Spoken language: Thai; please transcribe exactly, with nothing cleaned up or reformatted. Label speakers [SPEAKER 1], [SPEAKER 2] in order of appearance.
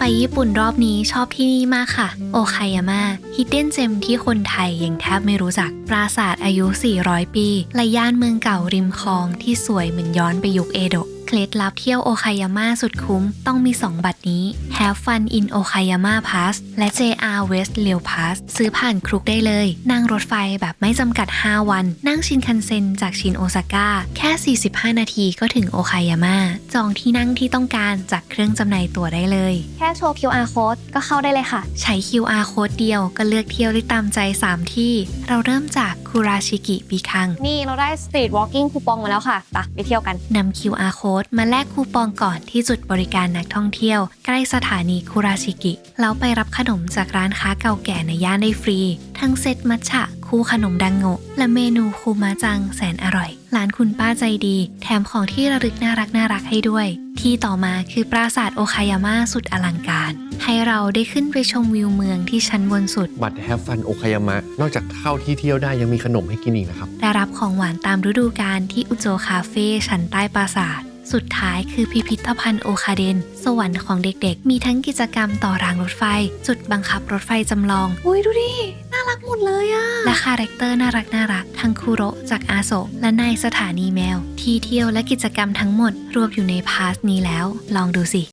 [SPEAKER 1] ไปญี่ปุ่นรอบนี้ชอบที่นี่มากค่ะโอคายาม่าฮิดเด้นเจมที่คนไทยยังแทบไม่รู้จักปราสาทอายุ สี่ร้อย ปีและย่านเมืองเก่าริมคลองที่สวยเหมือนย้อนไปยุคเอโดะเคล็ดลับเที่ยวโอคายาม่าสุดคุ้มต้องมีสองบัตรนี้ Have Fun in Okayama Pass และ เจ อาร์ West Rail Pass ซื้อผ่านครุกได้เลยนั่งรถไฟแบบไม่จำกัดห้าวันนั่งชินคันเซ็นจากชินโอซาก้าแค่สี่สิบห้านาทีก็ถึงโอคายาม่าจองที่นั่งที่ต้องการจากเครื่องจำหน่ายตั๋วได้เลย
[SPEAKER 2] แค่โชว์ คิว อาร์ code ก็เข้าได้เลยค่ะ
[SPEAKER 1] ใช้ คิว อาร์ Code เดียวก็เลือกเที่ยวได้ตามใจสามที่เราเริ่มจากคุราชิกิบิคัง
[SPEAKER 2] นี่เราได้ Street Walking คูปองมาแล้วค่ะไปไปเที่ยวกัน
[SPEAKER 1] นำ คิว อาร์ Code มาแลกคูปองก่อนที่จุดบริการนักท่องเที่ยวใกล้สถานีคุราชิกิแล้วไปรับขนมจากร้านค้าเก่าแก่ในย่านได้ฟรีทั้งเซตมัทฉะคู่ขนมดังโงะและเมนูคูมาจังแสนอร่อยร้านคุณป้าใจดีแถมของที่ระลึกน่ารักน่ารักให้ด้วยที่ต่อมาคือปราสาทโอคายาม่าสุดอลังการให้เราได้ขึ้นไปชมวิวเมืองที่ชั้นบนสุด
[SPEAKER 3] บัตร Have Fun โอคายามะนอกจากเข้าที่เที่ยวได้ยังมีขนมให้กินอีกนะครับ
[SPEAKER 1] ได้รับของหวานตามฤดูกาลที่อุโจคาเฟ่ชั้นใต้ปราสาทสุดท้ายคือพิพิธภัณฑ์โอคาเดนสวรรค์ของเด็กๆมีทั้งกิจกรรมต่อรางรถไฟจุดบังคับรถไฟจำลอง
[SPEAKER 2] อุ้ยดูดิน่ารักหมดเลยอะ
[SPEAKER 1] และคาแรคเตอร์น่ารักน่ารักทั้งคุโระจากอาโซะและนายสถานีแมวที่เที่ยวและกิจกรรมทั้งหมดรวมอยู่ในพาสนี้แล้วลองดูสิ